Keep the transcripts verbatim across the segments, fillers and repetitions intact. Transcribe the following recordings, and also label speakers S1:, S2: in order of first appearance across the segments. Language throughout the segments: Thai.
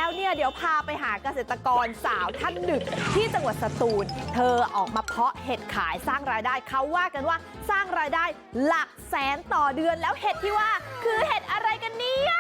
S1: แล้วเนี่ยเดี๋ยวพาไปหาเกษตรกรสาวท่านหนึ่งที่จังหวัดสตูลเธอออกมาเพาะเห็ดขายสร้างรายได้เขาว่ากันว่าสร้างรายได้หลักแสนต่อเดือนแล้วเห็ดที่ว่าคือเห็ดอะไรกันเนี่ย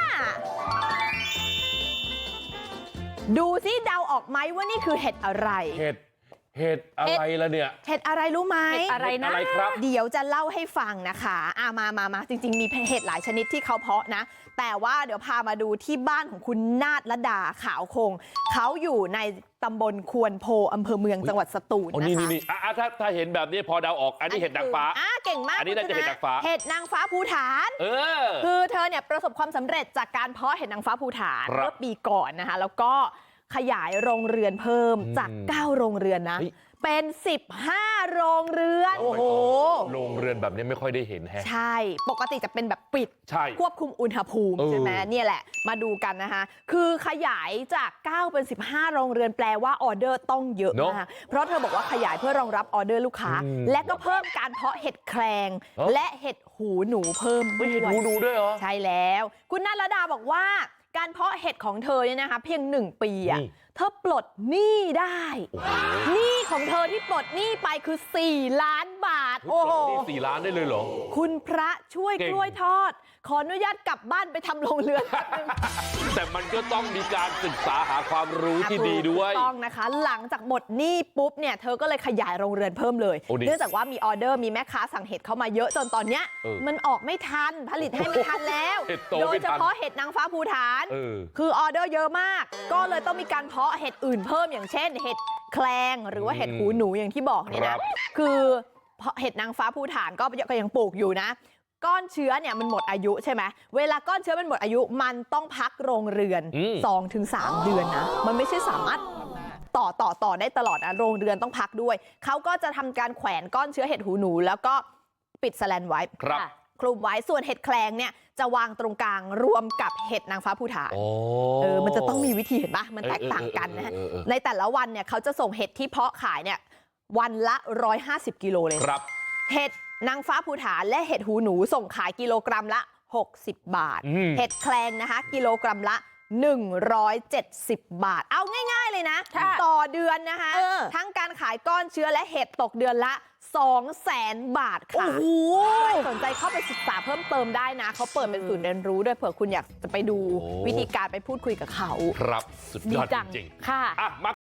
S1: ดูซิเดาออกไหมว่านี่คือเห็ดอะไร
S2: เห็ดเห็ดอะไรล่ะเนี่ย
S1: เห็ดอะไรรู้ไหม
S3: เห็ดอะไรนะ
S1: เดี๋ยวจะเล่าให้ฟังนะคะอ่ะมามามาจริงๆมีเห็ดหลายชนิดที่เขาเพาะนะแต่ว่าเดี๋ยวพามาดูที่บ้านของคุณนาฏระดาขาวคงเขาอยู่ในตำบลควนโพอำเภอเมืองจังหวัดสตูลนะคะ
S2: นี่นี่อ่ะถ้าถ้าเห็นแบบนี้พอเดาออกอันนี้เห็ดนางฟ้า
S1: อ่ะเก่งมาก
S2: อันนี้น่าจะเห็ดนางฟ้า
S1: เห็ดนางฟ้าภูฐาน
S2: เออ
S1: คือเธอเนี่ยประสบความสำเร็จจากการเพาะเห็ดนางฟ้าภูฐานเมื่อปีก่อนนะคะแล้วก็ขยายโรงเรือนเพิ่มจากเก้าโรงเรือนนะเป็นสิบห้าโรงเรือน
S2: โอ้โหโรงเรือนแบบนี้ไม่ค่อยได้เห็นแฮะ
S1: ใช่ปกติจะเป็นแบบปิดควบคุมอุณหภูมิใช่ไหมเนี่ยแหละมาดูกันนะคะคือขยายจากเก้าเป็นสิบห้าโรงเรือนแปลว่าออเดอร์ต้องเยอะนะคะเพราะเธอบอกว่าขยายเพื่อรองรับออเดอร์ลูกค้าและก็เพิ่มการเพาะเห็ดแครงและเห็ดหูหนูเพิ่มด้วย
S2: เห็ดหูหนูด้วยเหรอ
S1: ใช่แล้วคุณณรดาบอกว่าการเพาะเห็ดของเธอเนี่ยนะคะเพียงหนึ่งปีอะเธอปลดหนี้ได้หนี้ของเธอที่ปลดหนี้ไปคือสี่ล้านบาท
S2: โอ้โหนี่สี่ล้านได้เลยเหรอ
S1: คุณพระช่วยกล้วยทอดขออนุญาตกลับบ้านไปทำโรงเรือน
S2: แต่มันก็ต้องมีการศึกษาหาความรู้ที่ดีด้วย
S1: ต้องนะคะหลังจากหมดหนี้ปุ๊บเนี่ยเธอก็เลยขยายโรงเรือนเพิ่มเลยเนื่องจากว่ามีออเดอร์มีแม่ค้าสั่งเห็ดเข้ามาเยอะจนตอนเนี้ยมันออกไม่ทันผลิตให้ไม่ทันแล้วโดยเฉพาะเห็ดนางฟ้าภูฐานคือออเดอร์เยอะมากก็เลยต้องมีการเพาะเห็ดอื่นเพิ่มอย่างเช่นเห็ดแคลงหรือว่าเห็ดหูหนูอย่างที่บอกเนี่ยนะคือเห็ดนางฟ้าภูฐานก็ยังปลูกอยู่นะก้อนเชื้อเนี่ยมันหมดอายุใช่ไหมเวลาก้อนเชื้อมันหมดอายุมันต้องพักโรงเรือน สองถึงสาม เดือนนะมันไม่ใช่สามารถต่อต่อต่อได้ตลอดนะโรงเรือนต้องพักด้วยเขาก็จะทำการแขวนก้อนเชื้อเห็ดหูหนูแล้วก็ปิดแสแลนไว้คลุมไว้ส่วนเห็ดแคลงเนี่ยจะวางตรงกลางรวมกับเห็ดนางฟ้าภูฐานเออมันจะต้องมีวิธีเห็นปะมันแตกต่างกันนะในแต่ละวันเนี่ยเขาจะส่งเห็ดที่เพาะขายเนี่ยวันละหนึ่งร้อยห้าสิบกิโลเลยเห็ดนางฟ้าภูฐานและเห็ดหูหนูส่งขายกิโลกรัมละหกสิบบาทเห็ดแคลงนะคะกิโลกรัมละหนึ่งร้อยเจ็ดสิบบาทเอาง่ายๆเลยนะต่อเดือนนะคะทั้งการขายก้อนเชื้อและเห็ดตกเดือนละสองแสนบาทค่ะใครสนใจเข้าไปศึกษาเพิ่มเติมได้นะเขาเปิดเป็นศูนย์เรียนรู้ด้วยเผื่อคุณอยากจะไปดูวิธีการไปพูดคุยกับเขา
S2: ครับสุดยอดจริงๆ
S1: ค่ะ